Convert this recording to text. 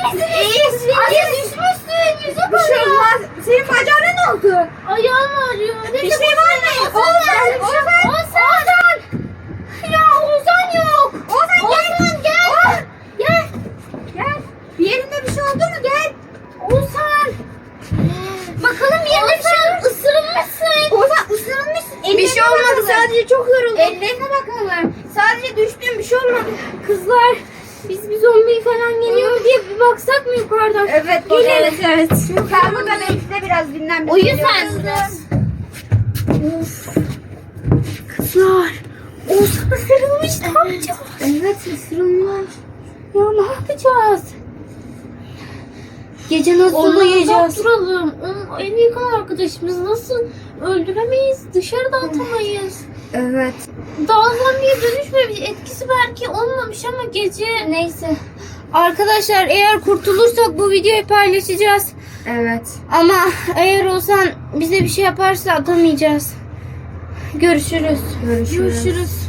misiniz? İyiyiz. Arya düşmüşsün. Yüze Bir şey olmaz. Senin bacağına ne oldu? Ayağım ağrıyor. Bir şey var mı? Ozan. Ya Ozan yok. Ozan gel. Gel. Gel. Bir yerinde bir şey oldu mu? Gel. Ozan. Bakalım yerine bir şey ısırılmışsın. Ozan ısırılmışsın. Bir şey olmadı. Sadece çok yoruldum. Ellerine bakalım. Sadece düştüm. Bir şey olmadı. Kızlar biz bir zombi falan geliyor mu diye bir baksak mı yukarıdan? Evet. Gelelim. Evet. Sen burada bekle biraz dinlen. Biz Uyu geliyoruz. sen de. Of. Kızlar. Ozan ısırılmış. Ne yapacağız? Evet ısırılmış. Ya ne yapacağız? Gece nasıl Ondan uyuyacağız? Duralım. Onun en yakın arkadaşımız, nasıl öldüremeyiz? Dışarıda atamayız. Evet. Daha zombiye dönüşmemiş. Etkisi belki olmamış ama gece. Neyse. Arkadaşlar eğer kurtulursak bu videoyu paylaşacağız. Evet. Ama eğer Ozan bize bir şey yaparsa atamayacağız. Görüşürüz. Görüşürüz. Görüşürüz.